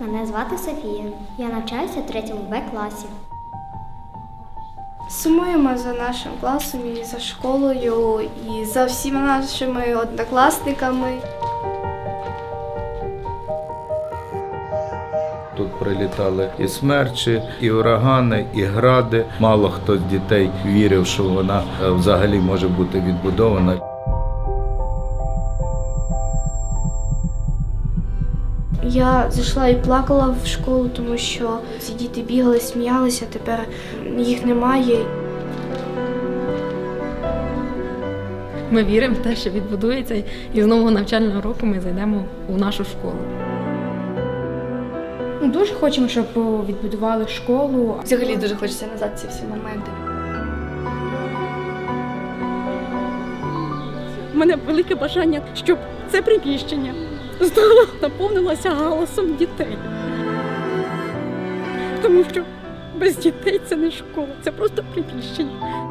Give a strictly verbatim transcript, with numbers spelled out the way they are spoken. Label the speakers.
Speaker 1: Мене звати Софія. Я навчаюся в третьому Б класі.
Speaker 2: Сумуємо за нашим класом і за школою, і за всіма нашими однокласниками.
Speaker 3: Тут прилітали і смерчі, і урагани, і гради. Мало хто з дітей вірив, що вона е, взагалі може бути відбудована.
Speaker 2: Я зайшла і плакала в школу, тому що ці діти бігали, сміялися, тепер їх немає.
Speaker 4: Ми віримо в те, що відбудується, і з нового навчального року ми зайдемо у нашу школу.
Speaker 5: Ми дуже хочемо, щоб відбудували школу.
Speaker 6: Взагалі дуже хочеться назад ці всі моменти.
Speaker 7: У мене велике бажання, щоб це приміщення знову наповнилося галасом дітей. Тому що без дітей це не школа, це просто приміщення.